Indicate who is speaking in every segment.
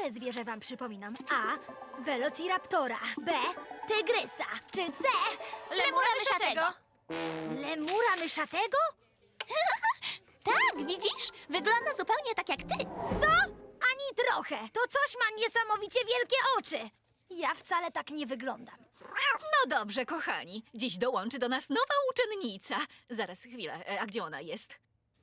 Speaker 1: Które zwierzę wam przypominam? A. Velociraptora. B. Tygrysa. Czy C.
Speaker 2: Lemura myszatego.
Speaker 1: Lemura myszatego?
Speaker 2: Tak, widzisz? Wygląda zupełnie tak jak ty.
Speaker 1: Co? Ani trochę. To coś ma niesamowicie wielkie oczy. Ja wcale tak nie wyglądam.
Speaker 3: No dobrze, kochani. Dziś dołączy do nas nowa uczennica. Zaraz, chwilę. A gdzie ona jest?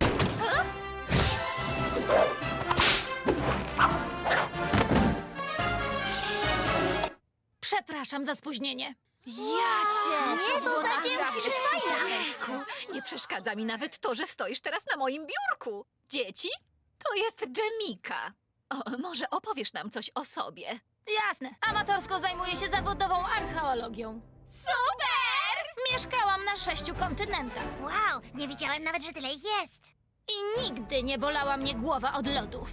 Speaker 2: Przepraszam za spóźnienie.
Speaker 1: Ja cię!
Speaker 2: Nie, to zadział się
Speaker 3: Ojejku, nie przeszkadza mi nawet to, że stoisz teraz na moim biurku. Dzieci, to jest Dżemika. O, może opowiesz nam coś o sobie?
Speaker 2: Jasne. Amatorsko zajmuję się zawodową archeologią. Super! Mieszkałam na 6 kontynentach
Speaker 4: Wow, nie wiedziałem nawet, że tyle ich jest.
Speaker 2: i nigdy nie bolała mnie głowa od lodów.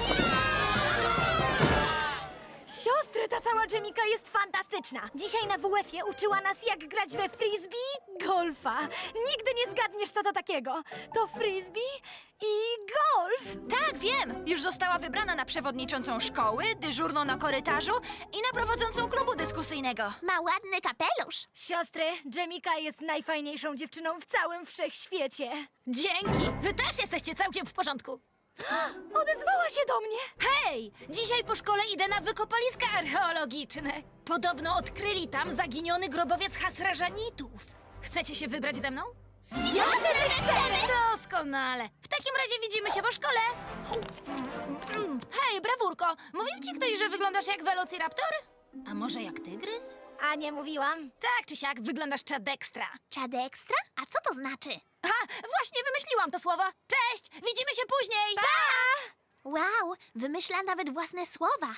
Speaker 1: Siostry, ta cała Dżemika jest fantastyczna. Dzisiaj na WF-ie uczyła nas, jak grać we frisbee golfa. Nigdy nie zgadniesz, co to takiego. To frisbee i golf.
Speaker 5: Tak, wiem! Już została wybrana na przewodniczącą szkoły, dyżurną na korytarzu i na prowadzącą klubu dyskusyjnego.
Speaker 4: Ma ładny kapelusz.
Speaker 1: Siostry, Dżemika jest najfajniejszą dziewczyną w całym wszechświecie.
Speaker 2: Dzięki! Wy też jesteście całkiem w porządku.
Speaker 1: Odezwała się do mnie.
Speaker 2: Hej! Dzisiaj po szkole idę na wykopaliska archeologiczne. Podobno odkryli tam zaginiony grobowiec Hasrażanitów. Chcecie się wybrać ze mną?
Speaker 1: Jasne, że chcemy!
Speaker 2: Doskonale. W takim razie widzimy się po szkole. Hej, brawurko, mówił ci ktoś, że wyglądasz jak Velociraptor? A może jak tygrys?
Speaker 1: A nie mówiłam?
Speaker 2: Tak czy siak, wyglądasz czadekstra.
Speaker 4: Czad ekstra? A co to znaczy?
Speaker 2: Ha, właśnie wymyśliłam to słowo. Cześć, widzimy się później. Pa!
Speaker 4: Wow, wymyśla nawet własne słowa.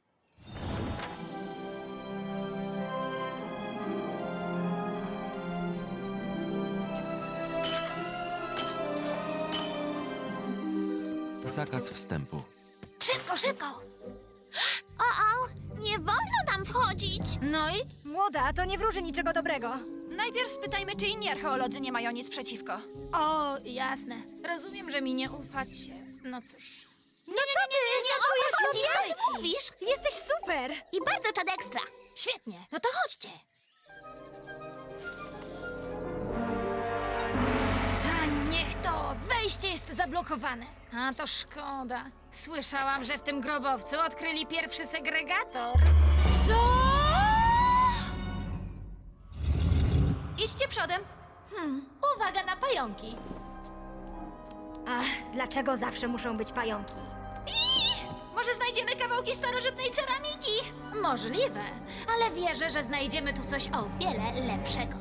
Speaker 6: Zakaz wstępu.
Speaker 2: Szybko, szybko.
Speaker 4: O, nie wolno tam wchodzić.
Speaker 2: No i?
Speaker 1: Młoda, to nie wróży niczego dobrego.
Speaker 5: Najpierw spytajmy, czy inni archeolodzy nie mają nic przeciwko.
Speaker 2: O, jasne. Rozumiem, że mi nie ufacie. No cóż.
Speaker 1: No co ty?
Speaker 4: Nie o to chodzi, co ty mówisz?
Speaker 1: Jesteś super!
Speaker 4: I bardzo czad ekstra.
Speaker 2: Świetnie, no to chodźcie. A niech to! Wejście jest zablokowane. A to szkoda. Słyszałam, że w tym grobowcu odkryli pierwszy segregator.
Speaker 5: Co? Idźcie przodem.
Speaker 2: Uwaga na pająki.
Speaker 1: Ach, dlaczego zawsze muszą być pająki?
Speaker 5: Może znajdziemy kawałki starożytnej ceramiki?
Speaker 2: Możliwe, ale wierzę, że znajdziemy tu coś o wiele lepszego.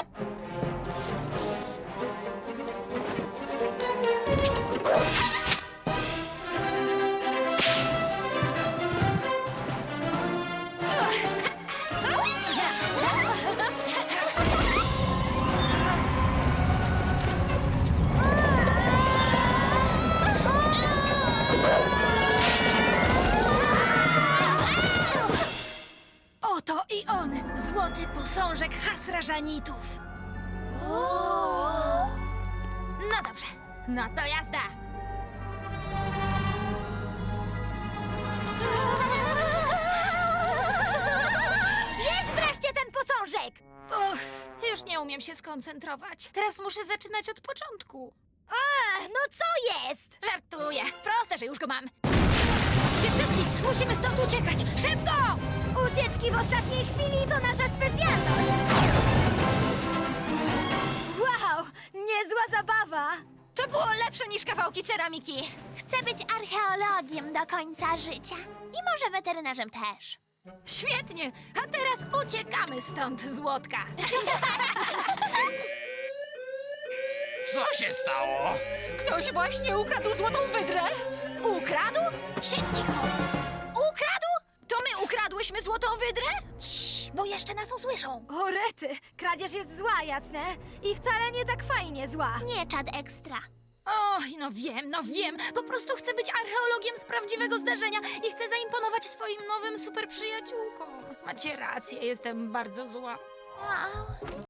Speaker 2: Oto i on, złoty posążek Hasrażanitów. No dobrze, no to jazda.
Speaker 1: Bierz wreszcie ten posążek!
Speaker 2: Och, już nie umiem się skoncentrować. Teraz muszę zaczynać od początku.
Speaker 1: No co jest?
Speaker 2: Żartuję, proste, że już go mam. Dziewczynki, musimy stąd uciekać, szybko!
Speaker 1: Ucieczki w ostatniej chwili to nasza specjalność! Wow, niezła zabawa!
Speaker 5: To było lepsze niż kawałki ceramiki.
Speaker 4: Chcę być archeologiem do końca życia. I może weterynarzem też.
Speaker 2: Świetnie, a teraz uciekamy stąd, złotka.
Speaker 7: Co się stało?
Speaker 5: Ktoś właśnie ukradł złotą wydrę. Ukradł?
Speaker 2: Siedź cicho,
Speaker 5: Ukradł? To my ukradłyśmy złotą wydrę?
Speaker 2: bo jeszcze nas usłyszą.
Speaker 1: O rety, kradzież jest zła, jasne? I wcale nie tak fajnie zła.
Speaker 4: Nie czad ekstra.
Speaker 2: Oj, no wiem, po prostu chcę być archeologiem z prawdziwego zdarzenia i chcę zaimponować swoim nowym super przyjaciółkom. Macie rację, jestem bardzo zła.
Speaker 4: Wow.